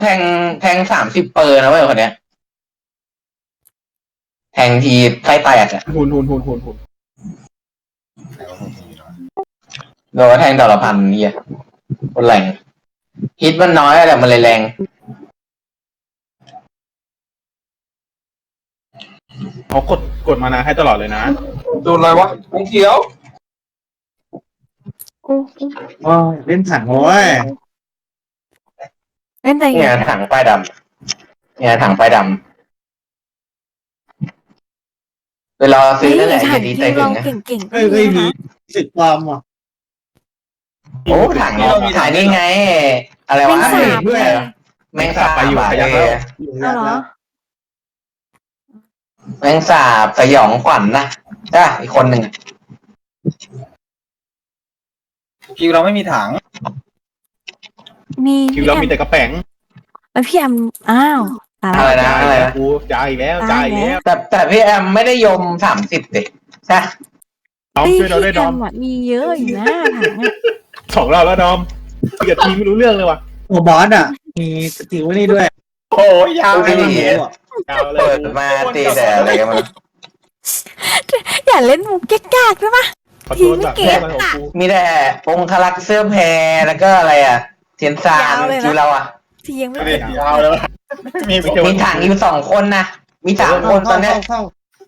แทงแทง30 เปอร์นะเว้ยคนเนี้ยแทงทีไส้แตกอะหุ่นโดนแทงดอกละพันเนี่ยคนแรงฮิตมันน้อยแต่มันเลยแรงเขากดมานาให้ตลอดเลยนะโดนอะไรวะวงเขียวโอ้ยเล่นถังโว้ยเล่นแต่เนี่ยถังป้ายดำเนี่ยถังป้ายดำเวลาซื้อนั่นแหละถัจะงดีที่ใจถึเรางนะเก่งๆก็เอ้ยมีมีนะสิทธิ์ความว่ะโอ้ถังถ่ายนี่ไง อะไรแมวะงสาบด้วยไงแมงสาบไปอยู่อะขยับเอแล้วอเอาเหรอแมงสาบสยองขวัญนะจ้ะอีกคนหนึ่งคิวเราไม่มีถังมีคิวเรามีแต่กระแป๋งแล้วพี่แอมอ้าวตายอะไรแล้วนะอะไรนะกูจ่ายอีกแล้วจ่ายอีกแล้วแต่พี่แอมไม่ได้ยม30ดิใช่ดอมพี่ช่วยเราด้วยแอดอมมอะมีเยอะอยู่นะถังอะ 2 รอบแล้วดอมคุยกับทีมไม่รู้เรื่องเลยว่ะโอ้บอสอ่ะ มีสกิลนี่ด้วยโอ้ยยาวไม่เลยดียาวเลยเปิดมาตีแต่อะไรกันมาอย่าเล่นมุกแก๊กๆได้ปะขอโทษแบบทีมไม่เก่งแม่ของกูมีแต่องคลักษ์เสื้อแพรแล้วก็อะไรอ่ะเทียนซานยาวเลยนะคิวเราอ่ะที่ยังไม่ไม่เก่งได้ยาวเลยว่ะมีไม่ใช่มีถังอยู่2 คนนะมี3 คนตอนเนี้ยเข้า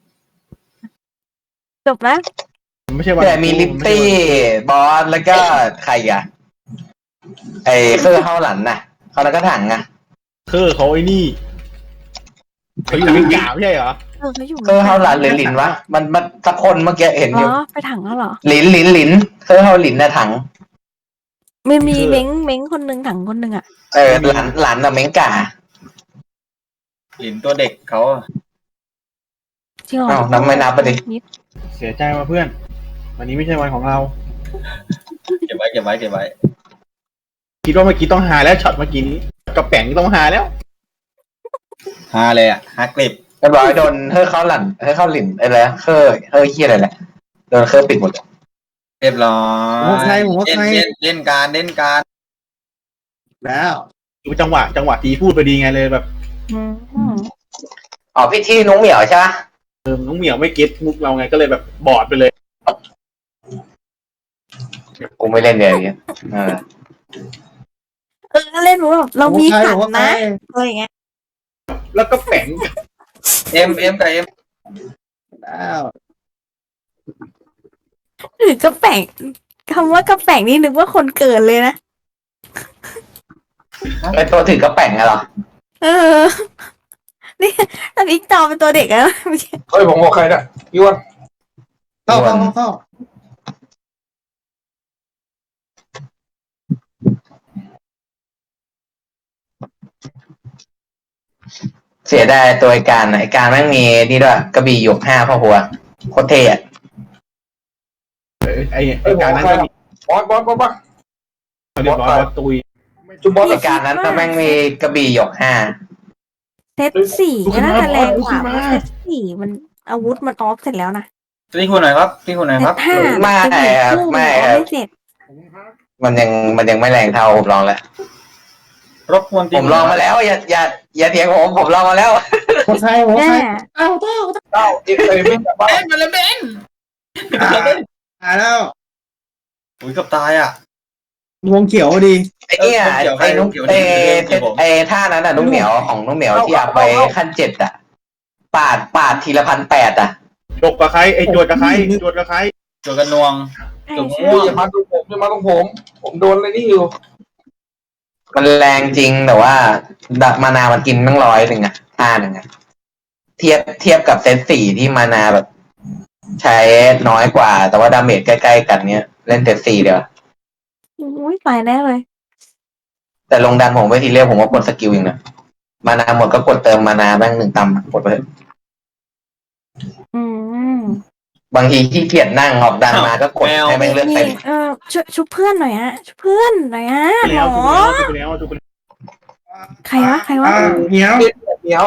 จบแล้วไม่ใช่วันแต่มีลิปตี้บอสแล้วก็ใครอ่ะไอ้เคอร์เฮาหลันน่ะเขาแล้วก็ถังอ่ะคือเขาไอ้นี่เขาอยู่เป็นกาวไม่ใช่เหรอเขาอยู่เคอร์เฮาหลันหรือหลินวะมันสักคนเมื่อกี้เห็นเหอรยู่อไปถังแล้วเหรอหลินเคอร์เฮาหลินน่ะถังมันมีเม้งคนหนึ่งถังคนหนึ่งอะหลานน่ะเม้งก่าหลินตัวเด็กเขาจริงเหรออ้าวนับไม่นับไปดินิดเสียใจว่ะเพื่อน วันนี้ไม่ใช่วันของเราเก็บไว้คิดว่าเมื่อกี้ต้องหาแล้วช็อตเมื่อกี้นี้กระแป๋งต้องหาแล้วฮาเลยอ่ะฮากลิบเรียบร้อยโดนเฮอเข้าหลันเฮอเข้าหลินอะไรนะเฮอเฮียอะไรแหละโดนเคอปิดหมดเลยเรียบร้อผมว่าใครยผมว่าใครเล่นการแล้วดูจังหวะทีพูดไปดีไงเลยแบบอืมอ๋อพี่ที่นุ้งเหมียวใช่ปะน้องเหมียวไม่เก็ตมุกเราไงก็เลยแบบบอดไปเลยกูไม่เล่นเดี๋ยวอย่างเงี้ยเออเล่นมุกแบบเรามีขันผมว่าใครนะอะไรอย่างเงี้ยแล้วก็แป๋งเอ็มกับเอ็มแล้วหรือกระแป๋งคำว่ากระแป๋งนี่นึกว่าคนเกิดเลยนะไอตัวถือกระแป๋งอะเหรอเออ นี่ตอนนี้จอเป็นตัวเด็กแล้วไม่ใช่เฮ้ยผมบอกใครนะยวนเข้าเสียดายตัวไอการแม่งมีนี่ด้วยกระบี่หยก5พ่อหัวโคตรเท่อะไอ้การนั้นก็มีบอสเรียบร้อยบอสตุยจุบบอสไอการนั้นแม่งมีกระบี่หยก5 เซตสี่ก็น่าจะแรงกว่าเพราะเซตสี่มันอาวุธมันออฟเสร็จแล้วนะที่คุณหน่อยครับเซตห้าไม่จะครับคู่ไม่นคอรัฟบไม่เสร็จมันยังไม่แรงเท่าผมลองแล้วรบกวนตีผมลองมาแล้วอย่าเถียงผมลองมาแล้วผมว่าใครผมว่าแน่ใครเอ้าเต้าเต้าอีกเลยไม่กลับบ้านมาเลยเบนหาแล้วอุ้ยกับตายอ่ะวงเขียวดีไอ้เนี่ยเกี่ยวใครไอ้นุ๊กเกี่ยวไอ้เกี่ยวผมไอ้ท่านั้นน่ะนุ๊กเหมียวของนุ๊กเหมียวที่เอาไปขั้น7อ่ะปาดทีละ1,800อ่ะจกกับใครไอ้จวดกับใครจวดกับใครจวกันนวงใช่จุกใช่ม่วงอย่ามาตรงผมผมโดนอะไรนี่อยู่มันแรงจริงแต่ว่ามานามันกินตั้ง100อ่ะท่า 1อ่ะเทียบกับเซต4ที่มานาแบบ ใช้น้อยกว่า แต่ว่าดาเมจใกล้ๆกันเนี้ยเล่นเซต4เดียวอุ้ยตายแน่เลยแต่ลงดันผมไปทีเรียกผมว่ากดสกิลเองนะมานาหมดก็กดเติมมานาแม่ง1 ตำกดไปเถอะอืมบางทีขี้เกียจนั่งออกดันมาก็กดให้แม่งเลือดนี่เต็มชุบเพื่อนหน่อยฮะชุบเพื่อนหน่อยฮะหมแล้วอจุกไปแล้วใครวะเหนียวเดี๋ยว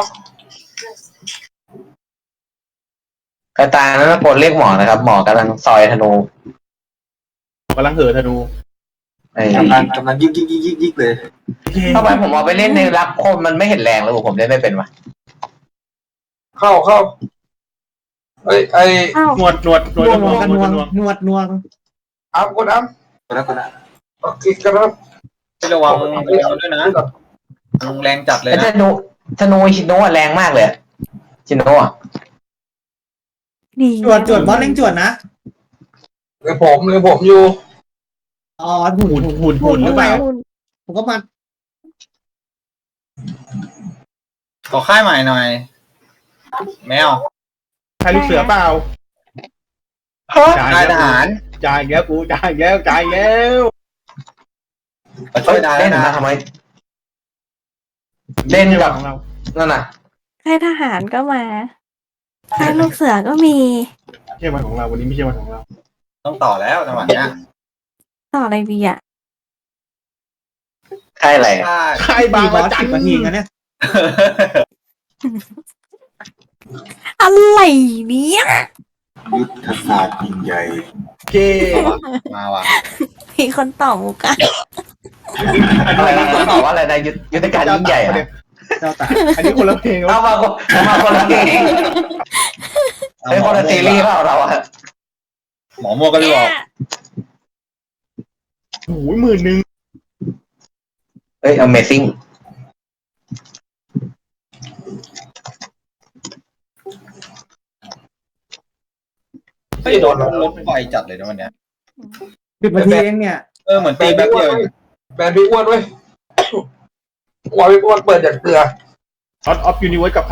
กระตายนั้นกดเรียกหมอนะครับ หมอกำลังซอยธนูกำลังเหินธนูไอ้กำลังยิกเลยทำไมผมเอาไปเล่นในรักคนมันไม่เห็นแรงแล้วผมเล่นไม่เป็นวะเข้าไอ้อ้าวหนวดนวงกันนวงนวดนวงอัพกดอัพคนละโอเคกันครับระวังด้วยนะแรงจัดเลยแล้วนะธนูชิโนะแรงมากเลยชิโนะดีจวดบอสเล่งจวดนะเลยผมอยู่อ๋อหุ่นหรือเปล่าผมก็มาขอค่ายใหม่หน่อย แมวใครลูกเสือเปล่าค่ายทหารจ่ายแล้วกูจ่ายแล้วมาช่วยได้เล่นนะมาทำไมเล่นกับของเรานั่นน่ะค่ายทหารก็มาค่ายลูกเสือก็มีไม่ใช่วันของเราวันนี้ไม่ใช่วันของเราต้องต่อแล้วจังหวะเนี้ยต่ออะไรดีอ่ะใช่อะไรค่ายใครตีบางบอมาสจั 10 นาทีกันเนี่ยอะไรเนี่ยยุทธศาสตร์ยิ่งใหญ่เกมาว่ะมีคนตอบมุกอะอะไรนะตอบว่าอะไรนะยุทธการยิ่งใหญ่อะเจ้าตาอันนี้คนละเพลงเอามาคนละเพลงเป็นคนละซีรีส์เปล่าเราอะหมอมัวก็เลยบอกโอ้ย10,000 เอ้ย Amazing ไม่โดนรถไฟจัดเลยนะวันเนี้ย 10 นาทีเองเนี่ยเหมือนตีแป๊บเดียวแบนพี่อ้วนเว้ยพี่อ้วนเปิดจากเกลือช็อตออฟยูนิเวิร์สกับใคร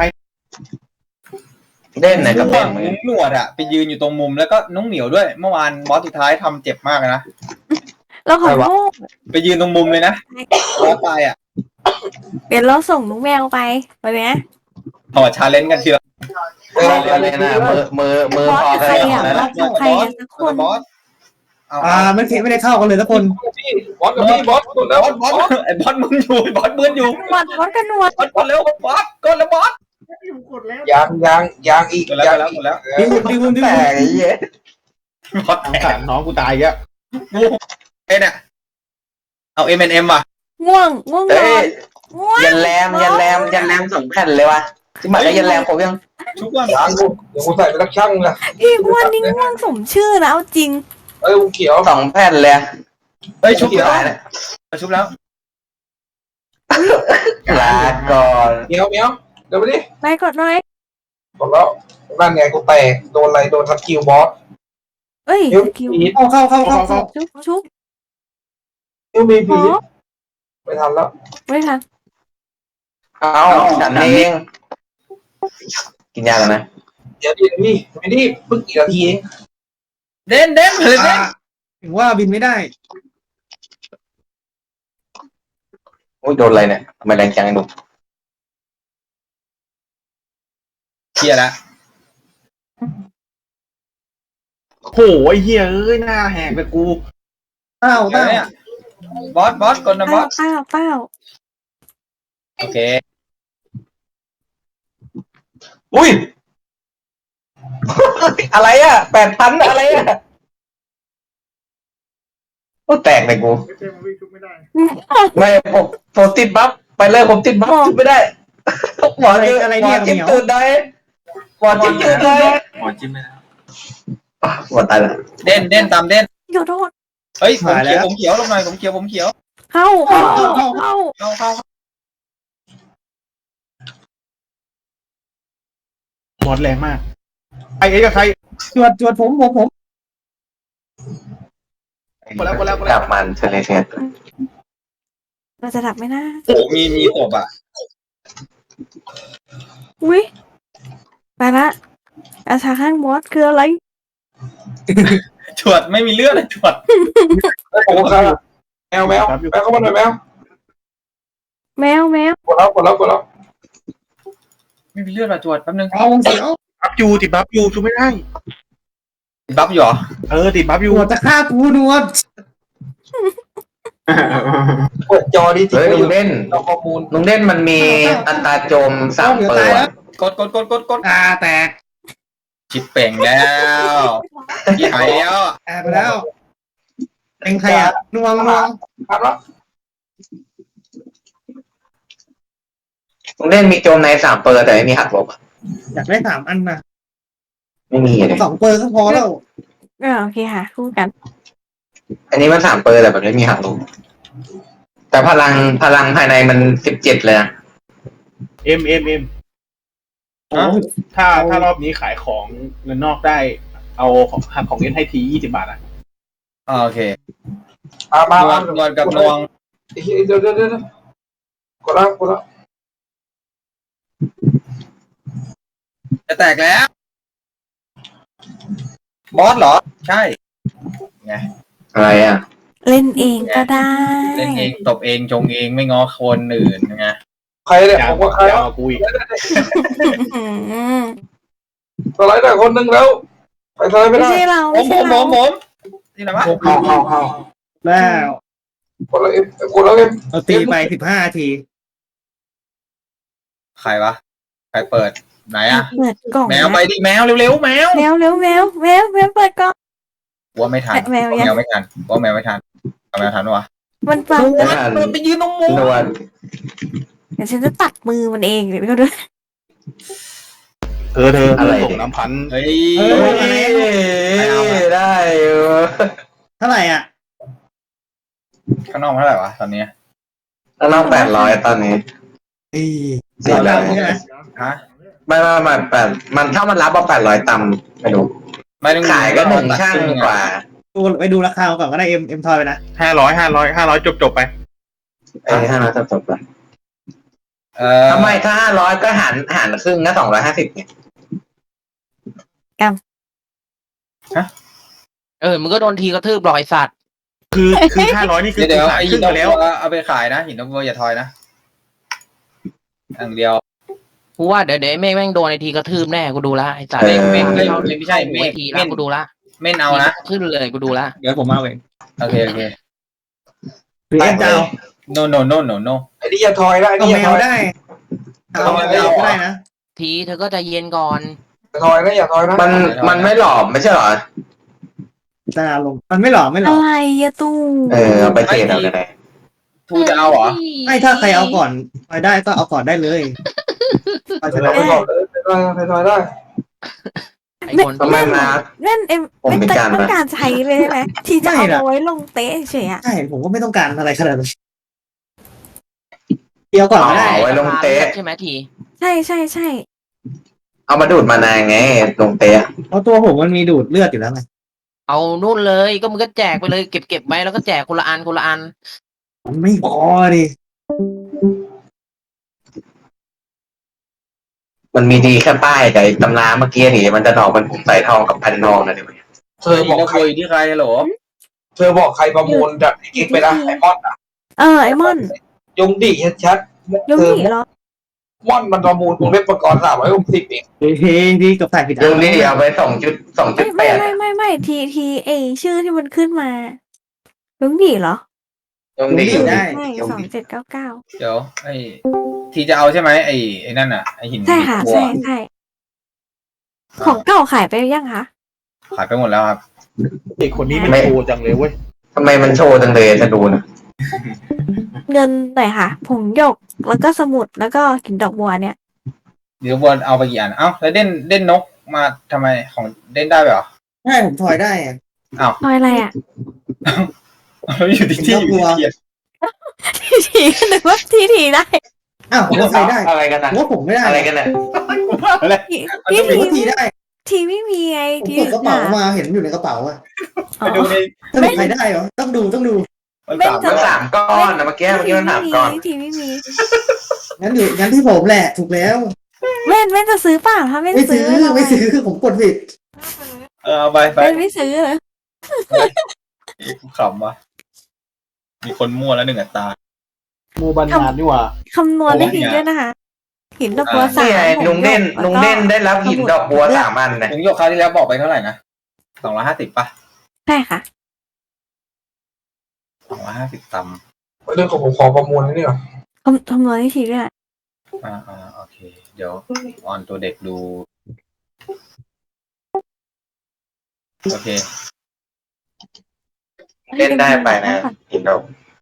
เล่นไหนกับเล่นนุ้งหนวดอะไปยืนอยู่ตรงมุมแล้วก็น้องเหมียวด้วย เมื่อวานบอสสุดท้ายทำเจ็บมากนะเราขอโทษไปยืนตรงมุมเลยนะบอสตายอะเดี๋ยวเราส่งน้องแมวไปวันเนี้ยถอดชาเลนจ์กันเชียวเล่นนะมือบอสพอกับกันใครเลยอ่ะนะบอสกับใครกันสักคนบอสไม่ได้เข้ากันเลยทุกคนบอสกับพี่บอสกดแล้วบอสไอ้บอสมึนอยู่บอสมึนอยู่บอสกันนวดบอสเร็วบอสกดแล้วบอสยังอีกกดแล้วดิวแต่ไอ้เหี้ยบอสสงสารน้องกูตายอ่ะกูเนี่ยเอา M&M ว่ะง่วงนอนเอ้ยง่วงยันแรม2 แผ่นเลยวะที่หมายได้ยันแรมครบยังชุกว่ายังกูเดี๋ยวกูใส่ไปสักช่างนะพี่อ้วนนี่ง่วงสมชื่อนะเอาจริงกูเขียว 2 แผ่นเลยเฮ้ยชุบเขียวแล้วนะชุบแล้วลาก่อนเมียวเดี๋ยวไปดิไปกดหน่อยกดแล้วนั่นไงกูแตกโดนอะไรโดนทับคิวบอสเอ้ยคิวคิวพีทเข้าชุบคิวมีอ๋พีอทไม่ทันแล้วไม่ทันเอาฉันเองกินยากันนะเดี๋ยวดิพี่ไม่รีบเพิ่งกี่นาทีเองเด่นเลยเด่นถึงว่าบินไม่ได้โอ้ยโดนอะไรเนี่ยทำไมแรงจังไอ้หนุ่มเคลียร์แล้วโหไอ้เหี้ยเอ้ยหน้าแหกเลยกูเต้าเนี่ยบอสกดนะบอสเป้าโอเคอุ้ย อะไรอ่ะ8,000อะไรอ่ะโอ้แตกเลยกูไม่ผมติดบัฟไปเลยผมติดบัฟจุดไม่ได้หมอจิ้มตื่นได้หมอจิ้มตื่นได้หมอจิ้มไปแล้วหมอตายแล้วเด่นตามเด่นขอโทษเฮ้ยผมเขียวลงหน่อยผมเขียวเข้าเข้าหมดแรงมากไอ้กับใครจวดผมหมดแล้วกลับมันเฉลยเฉยเราจะดับไหมนะโอ้มีศพอ่ะอุ้ยไปละอาชาข้างบอสคืออะไรฉวดไม่มีเลือดเลยฉวดผมครับแมวเข้ามาหน่อยแมวแมวกดแล้วไม่มีเลือดมาฉวดแป๊บนึงเอาวงเสียวติดบัฟอยู่ชูไม่ได้บัฟอยู่เหรอติดบัฟอยู่นวดจะฆ่ากูนวดเปิดจอดิเฮ้ยลุงเด่นเอาข้อมูลลุงเด่นมันมีอัตราโจม3เปอร์กดแตกชิปเป่งแล้วยี่หายแล้วแตกไปแล้วเป็นใครอ่ะนวงครับแล้วลุงเล่นมีโจมใน3เปอร์แต่ไม่มีหักลบอะอยากได้3 อันนะไม่มีเลย 2 เปอร์ก็พอแล้วโอเคค่ะคู่กันอันนี้มัน3เปอร์แต่มันไม่มีหักลบแต่พลังภายในมัน17เลยนะเอ็มถ้ารอบนี้ขายของเงินนอกได้ เอาหักของเงินให้ที20 บาทอ่ะโอเคมานวลกับนวงเดี๋ยวกดแล้วจะแตกแล้ว บอสเหรอ ใช่ไงอะไรอ่ะเล่นเองก็ได้เล่นเองตบเองจงเองไม่ง้อคนอื่นไงใครเนี่ยยาผมว่าใครยาววะกว่ากูอีกสไลด์ได้คนหนึ่งแล้วไปสไลด์ไม่ไม่ได้ใช่เราผไม่มใช่เรานี่แหละวะเข้าแล้วคนละเอ็มคนละเอ็มเราตีไป15 นาทีใครวะ ใครเปิดไหนอะเปิดกล่องแมวไปดิแมวเร็วๆแมวแมวเปิดกล่องว่าไม่ทันแมวยังแมวไม่ทันว่าแมวไม่ทันเอาแมวทันวะมันฟังไม่นะทันมันไปยืนตรงมุมนวลเดี๋ยวฉันจะตัดมือมันเองเดี๋ยวก็ด้วยเธออะไรส่งน้ำพันเฮ้ยเฮ้ยได้อยู่เท่าไหร่อ่ะข้างนอกเท่าไหร่วะตอนนี้แล้วน้อง800ตอนนี้เสียแล้วใช่ไหมฮะไม่มันถ้ามันรับเอา800ต่ำไม่รู้ไม่ต้องขายก็1ช่างกว่าไปดูราคาก่อนก็ได้เอ็มทอยไปนะ 500จบไปไอ้500จบไปทำทำไมถ้า500ก็หารครึ่งนะ250เนี่ยมึงก็โดนทีกระทืบรอยสัตว์คือ500นี่คือเดี๋ยวขายไอ้คหิรึ่นงนไปกแล้ววัวเอาไปขายนะหินนกวัวอย่าทอยนะอย่างเดียวกูว่าเดี๋ยวไอ้เมฆแม่งโดนไอ้ทีกระทืบแน่กูดูละไอ้สัตว์เมฆเมฆไม่ใช่เมฆทีละกูดูละเม่นเอานะขึ้นเลยกูดูละเดี๋ยวผมเอาเองโอเคหรือเอ็มจะเอา no ไอ้นี่อย่าทอยนะไอ้เอานี่อแมย่าทวอยได้เอาแมวก็ได้นะทีเธอก็ใจเย็นก่อนอย่าทอยนะอย่าทอยนะมันไม่หลอมไม่ใช่เหรอตาลงมันไม่หล่ออะไรอะตู้เอาไปเทรดเอาก็ได้ทูจะเอาเหรอไม่ถ้าใครเอาก่อนไปได้ก็เอาก่อนได้เลยเอาจะไปได้ก่อนเลยไปทอยได้ไอ้คนทำไมมาเล่นเอ็มผมไม่มีการต้องการใช้เลยใช่ไหมที่จะเอาไว้ลงเตะเฉยอะใช่ผมก็ไม่ต้องการอะไรขนาดนั้นเดียวก่อนก็ได้เอาไว้ลงเตะใช่ไหมทีใช่เอามาดูดมานานไงลงเตะเพราะตัวผมมันมีดูดเลือดอยู่แล้วไงเอานู่นเลยก็มึงก็แจกไปเลยเก็บไว้แล้วก็แจกคนละอันมันไม่พอดิมันมีดีแค่ป้ายกับไอ้ตำราเมื่อกี้นี่มันจะหนอกมันผมใส่ทองกับพันทองนะเดี๋ยวนี้เธอหิบนอกนกใครวัวอยู่ที่ใครเหรอเธอบอกใครประมูลจากไอ้กิ๊กไปนะไอ้มอนอะไอมอนยงดิชัดยงเธอหนีเหรอมอนมันประมูลวงเล็บประกอบ360เองเฮ้ยดีกับถ่ายผิดยุงนี่เอาไป2.8 ไม่ทีเอชื่อที่มันขึ้นมายงหนีเหรอยุงนี่ได้ไม่ยุง 2799 เดี๋ยวไอ้ทีจะเอาใช่ไหมไอ้นั่นอ่ะไอ้หินใช่ค่ะวัวใช่ของเก่าขายไปยังคะขายไปหมดแล้วครับไอ้คนนี้มันโชว์จังเลยเว้ยทำไมมันโชว์จังเลยจะดูนะเงินหน่อยค่ะผงหยกแล้วก็สมุดแล้วก็กลิ่นดอกบัวเนี่ยเดี๋ยววัวเอาไปกี่อันเอ้าแล้วเด่นนกมาทำไมของเด่นได้ไปเหรอใช่ผมถอยได้อะทอยอะไรอ่ะแล้วอยู่ที่อยู่ที่เทียนทีนึกว่าทีได้อ้าวผมก็ใช้ได้อะไรกันผนะมว่าผมไม่ได้อะไรกันนะพี่ผมก็ทีได้ทีไม่มีไงผมทีกดกระเป๋ามาเห็นอยู่ในกระเป๋าอะไปดูในถ้ามีใครได้เหรอต้องดูมันสามมัน3 ก้อนนะเมื่อกี้มัน3 ก้อนทีไม่มีงั้นที่ผมแหละถูกแล้วเว้นจะซื้อเปล่าถ้าไม่ไม่ซื้ซื้ออไม่ซื้อผมกดผิดเอาไปเว้นไม่ซื้อเลยขำวะมีคนมั่วแล้ว1 อัตราโมบันนานนี่หว่าคำนวณได้ดีด้วยนะคะหินดอกบัวสานี่มไงลุงเด่นได้รับหินดอกบัว3 อันนะผมโยกคราวที่แล้วบอกไปเท่าไหร่นะ250ป่ะใช่ค่ะ 250ตเรื่องของผมขอประมูลนี่ก่อนคำนวณได้ทีด้วยโอเค เดี๋ยวออนตัวเด็กดู โอเคเล่นได้ไปนะหินดอก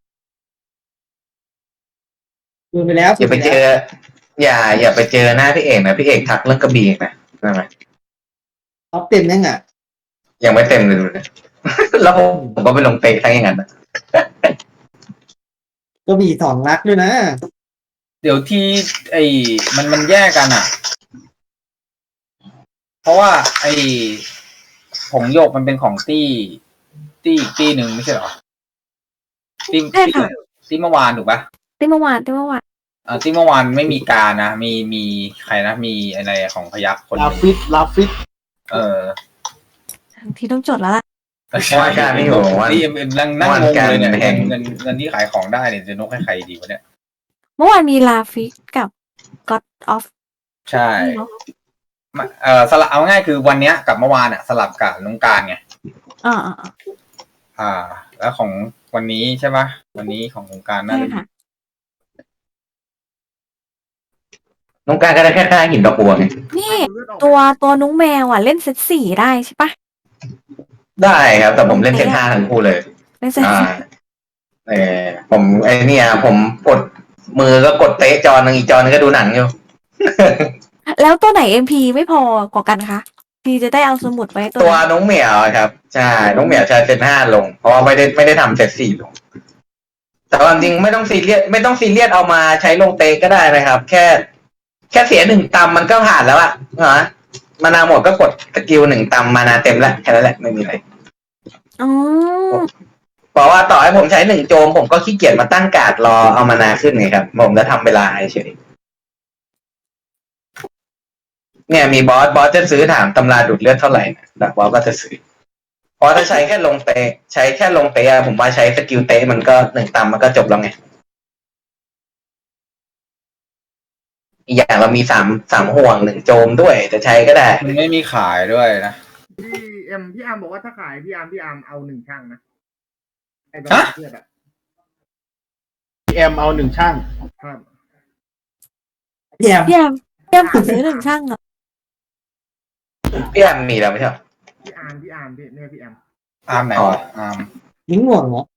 ดูไปแล้วอย่าไปเจอ อย่าไปเจอหน้าพี่เอกนะพี่เอกทักเรื่องกระบี่นะใช่ไหมท็อปเต็มยังอ่ะยังไม่เต็มเลยดูนะแล้วผมก็ไปลงเตะทั้งอย่างนั้นนะก็มี2 ลักด้วยนะเดี๋ยวที่มันแยกกันอ่ะ เพราะว่าผงโยกมันเป็นของตี้อีกตี้หนึ่งไม่ใช่เหรอตี้ใช่ค่ะตี้เมื่อวานถูกปะที่เมื่อวานตี้เมื่อวานไม่มีการนะมีใครนะมีอะไรของพยัคฆ์คนหลานึ่งฟิตที่ต้องจดแล้วล่ะว่าการไม่อยู่ว่าที่นั่งงงเลยเนี่ยว่าการแพงเงินที่ขายของได้เนี่ยจะนกให้ใครดีวะเนี่ยเมื่อวานมีลาฟิกกับ God of ใช่เนาะสลับเอาง่ายคือวันเนี้ยกับเมื่อวานอ่ะสลับกับน้องการไงอ่าแล้วของวันนี้ใช่ปะวันนี้ของน้องการน่าใช่จะค่ะน้องการก็ได้แค่หินดอกบัวไงนี่ตัวนุ้งแมวอ่ะ เล่นเซต4ได้ใช่ปะได้ครับ แต่ผมเล่นเซต5ทั้งคู่เลยเล่นเซตอ่าผมผมกดมือก็กดเตะจอนึงอีกจอนึงก็ดูหนังอยู่แล้วตัวไหน MP ไม่พอกว่ากันคะพี่จะได้เอาสมุดไว้ตัวตัวนั้นน้องเหมียวครับใช่น้องเหมียวใช้เซต5ลง เพราะว่าไม่ได้ทำเซต4ลง แต่ความจริงไม่ต้องซีเรียสเอามาใช้ลงเตะก็ได้นะครับ แค่เสีย1 ตำมันก็ผ่านแล้วอะฮะมานาหมดก็กดสกิล1 ตำมานาเต็มแล้วแค่นั้นแหละไม่มีอะไรอ๋อเพราะว่าต่อให้ผมใช้1 โจมผมก็ขี้เกียจมาตั้งการ์ดรอเอามานาขึ้นไงครับ ผมจะทำเวลาเฉยเนี่ยมีบอสจะซื้อถามตำราดูดเลือดเท่าไหร่นะแต่บอสก็จะซื้อเพราะถ้าใช้แค่ลงเตะใช้แค่ลงเตะผมว่าใช้สกิลเตะมันก็1 ตำมันก็จบแล้วไงอีกอย่างเรามี3 ห่วง1 โจมด้วยจะใช้ก็ได้มันไม่มีขายด้วยนะพี่อาร์มบอกว่าถ้าขายพี่อาร์มเอา1 ช่างนะไอ้ฮะเพื่อนอะพี่แอมเอา1 ช่างครับพี่แอมพี่แอมขอซื้อ1 ช่างอ่ะพี่แอมมีแล้วไม่ใช่เหรอพี่อาร์มพี่เนี่ยพี่อาร์มอาร์มไหนวะอาร์มยิงห่วงเหรอ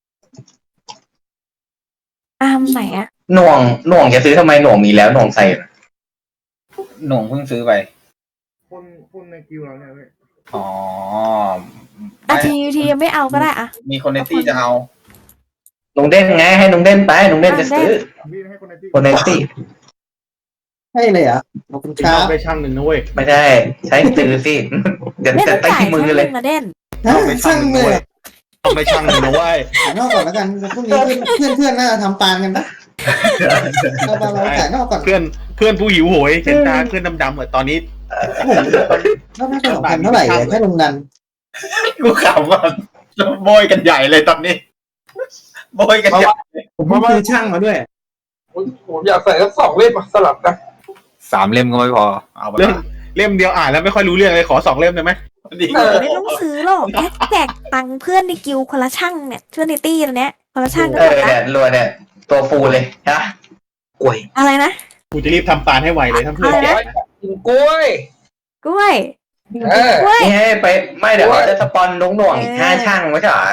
อาร์มไหนอ่ะหน่วงจะซื้อทำไมหน่วงมีแล้วหน่วงใส่นะหน่วงเพิ่งซื้อไปคนในกิวเราเนี่ยเว้ยอ๋อทียังไม่เอาก็ได้อ่ะมีคนในตี้จะเอาลุงเด่นไงให้ลุงเด่นไปลุงเด่นจะซื้อพี่ให้คนในที่คนในตี้ใช่เลยเหรอ่ะขอบคุณคนรัอกบได้ช่างหนึ่งนะเว้ยไม่ใช่ใช้ซื้อสิเดี๋ยวเล่นจะต้องตั้งจ่ายที่มือช่างเลยมาเด่นฮะช่างเลยอะต้องได้ช่างหนึ่งนะเว้ยขายนอกก่อนแล้วกันพรุ่งนี้เพื่อนน่าจะทำปานกันนะเราขายนอกก่อนเพื่อนผู้หิวโหยเห็นตาเพื่อนดำๆเหมือนตอนนี้แล้วน่าจะ2,000เท่าไหร่แค่ลงดันกูขำว่าโบยกันใหญ่เลยตอนนี้โบยกันใหญ่ผมก็ซื้อช่างมาด้วยผมอยากใส่สัก2 เล่มสลับกัน 3 เล่มก็ไม่พอเอาไปเล่มเดียวอ่านแล้วไม่ค่อยรู้เรื่องเลยขอ2 เล่มได้ไหมดีไม่ต้องซื้อหรอกแค่แจกตังค์เพื่อนในกิวคนละช่างเนี่ยเพื่อนในตี้เนี้ยคนละช่างก็จบละเนี่ยรัวเนี่ยตัวฟูเลยฮะกล้วยอะไรนะกูจะรีบทำปานให้ไวเลยถ้าเพื่อนอะไรนะกินกล้วยกล้วยเออกล้วยนี่ให้ไปไม่เดี๋ยวเขาจะสปอนหน่วงอีก5 ช่างไม่ใช่เหรอบ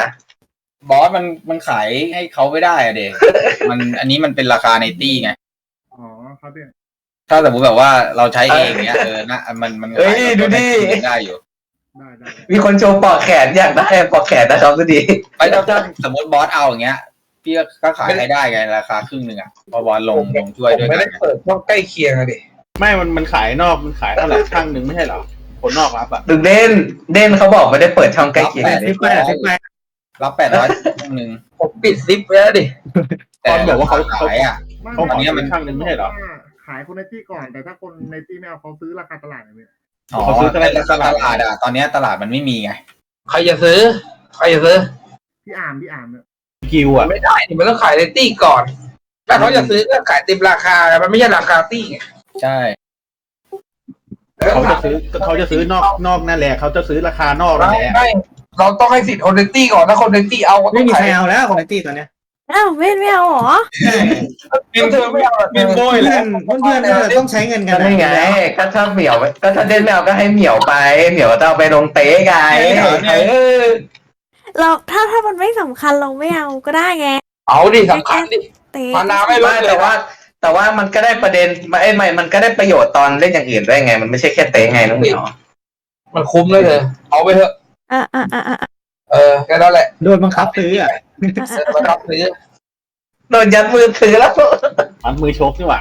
อสมันขายให้เขาไม่ได้อะเด็กอันนี้มันเป็นราคาในตี้ไงอ๋อครับพี่ถ้าสมมติแบบว่าเราใช้เองเนี้ยนะมันเฮ้ยดูดิได้อยู่ได้มีคนโชว์ปอกแขนอยากได้ปอกแขนนะครับก็ดีไปถ้าสมมติบอสเอาอย่างเงี้ยพี่ก็ขายให้ได้ไงราคาครึ่งหนึ่งอ่ะพอบอสลงช่วยผมด้วยไม่กัได้นเปิดช่องใกล้เคียงอะดิไม่มันขายนอกมันขายเท่าไหร่ช่างหนึ่งไม่ใช่เหรอคนนอกรับอ่ะดึงเด่นเขาบอกไม่ได้เปิดช่องใกล้เคียงรับ800ครึ่งหนึ่งผมปิดซิปไว้แล้วดิแต่บอกว่าเขาขายอ่ะเขาบอกอันเนี้ยมันช่างหนึ่งไม่ใช่เหรอขายคนในที่ก่อนแต่ถ้าคนในที่ไม่เอาเขาซื้อราคาตลาดเลยพี่อ๋อเขาซื้อตลาดตลาดอ่ะตอนเนี้ยตลาดมันไม่มีไงใครจะซื้อพี่อาร์มเนี่ยกิวอ่ะไม่ได้ดิมันต้องขายในตี้ก่อน ถ้าเขาจะซื้อก็ขายเต็มราคา มันไม่ใช่ราคาตี้ไงใช่เขาจะซื้อนอกนั่นแหละเขาจะซื้อราคานอกนั่นแหละไม่เราต้องให้สิทธิ์คนในตี้ก่อนถ้าคนในตี้เอาก็ต้ไม่องมีขาใครยเอาแล้วของไอตี้ตอนเนี้ยอ้าวไม่เอาเหรอเธอไม่เอาเป็นโบยเพื่แล้อนเพื่อนต้องใช้เงินกันก็นี่ไงก็ถ้าเหมียวก็ถ้าเด่นไม่เอาก็ให้เหมียวไปเหมียวจะเอาไปลงเตะไงเราถ้ามันไม่สำคัญเราไม่เอาก็ได้ไงเอาดิสำคัญดิเตะมานาไม่ลดเลยแต่ว่ามันก็ได้ประเด็นไม่มันก็ได้ประโยชน์ตอนเล่นอย่างอื่นด้วยไง มันไม่ใช่แค่เตะไงน้องเหมียวมันคุ้มเลยเธอเอาไปเถอะอ่ะแค่นั้นแหละโดนบังคับซื้ออ่ะมารับซื้อโดนยัดมือถือแล้วมันมือชกนี่หว่า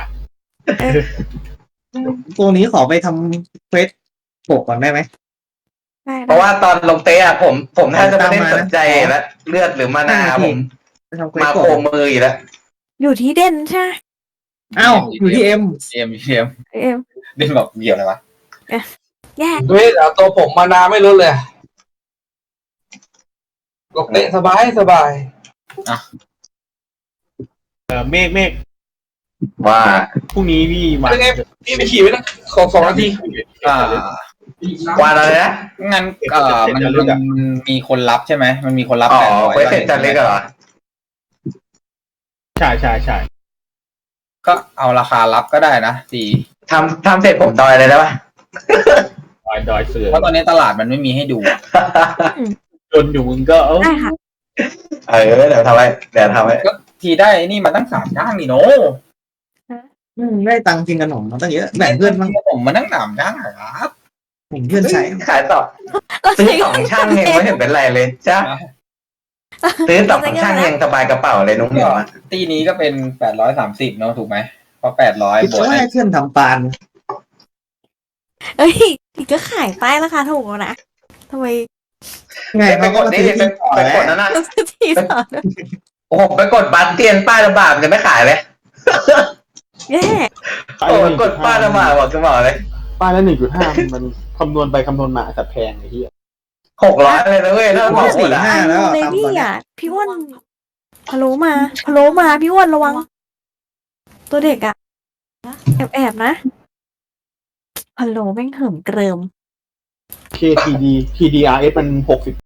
ตัวนี้ขอไปทำเควสปกก่อนได้ไหมได้เพราะว่าตอนลงเตะอะผมแทบจะไม่ได้สนใจแล้วเลือดหรือมานาผมไปทำเควสมาก่อโคนมืออยู่แล้วอยู่ที่เด่นใช่ไหมอ้าวอยู่ที่เอ็มเอ็มเอ็มเด่นบอกเกี่ยวอะไรวะแย่ด้วยเอาตัวผมมานาไม่ลดเลยลงเตะสบายเมฆว่าพรุ่งนี้พี่มาเป็นไงพี่ไปขี่ไว้นะขอ2 นาทีอ่าว่าอะไรนะงั้นมันมีคนรับใช่ไหมมันมีคนรับอ๋อ 800 เควสเสร็จจันเล็กเหรอใช่ก็เอาราคารับก็ได้นะสี่ทำเสร็จผมดอยเลยได้ปะดอยเสือเพราะตอนนี้ตลาดมันไม่มีให้ดูจนอยู่มึงก็ได้ค่ะเดี๋ยวทำไว้ก็ทีได้นี่มาตั้ง3 จ้างนี่โนได้ตังค์กินขนมมาตั้งเยอะแบ่งเพื่อนบ้างผมมานั่ง3 จ้างเหรอครับผมเพื่อนใช้ขายต่อซื้อ2 ช่างเองไม่เห็นเป็นไรเลยจ้าซื้อ2 ช่างเองสบายกระเป๋าเลยน้องเหมียวอะตีนี้ก็เป็น830เนาะถูกไหมเพราะ800 คิดบวกว่าให้เพื่อนทำปานเอ้ยอีกก็ขายป้ายราคาถูกแล้วนะทำไมไงไปเขากก็ดมานี่ซื้อไปกดนั่นน่ะต้องซื้อที่สอนโอ้โหไปกดบัตรเตียนป้ายระบาดจะไม่ขายเลยแย่โอ้กดป้ายระบาดบอกจะบอกเลยป้ายละ1.5มันคำนวณไปคำนวณมาสัตว์แพงไอ้เหี้ย 600เลยนะเว้ยถ้าบอกหมดอะ 4-5แล้วเลยตามพี่ตอนเนี้ยอ่ะพี่อ้วนพะโล้มาพี่อ้วนระวัง ตัวเด็กอ่ะแอบนะพะโล้แม่งเหิมเกริม KTD TDRS มัน60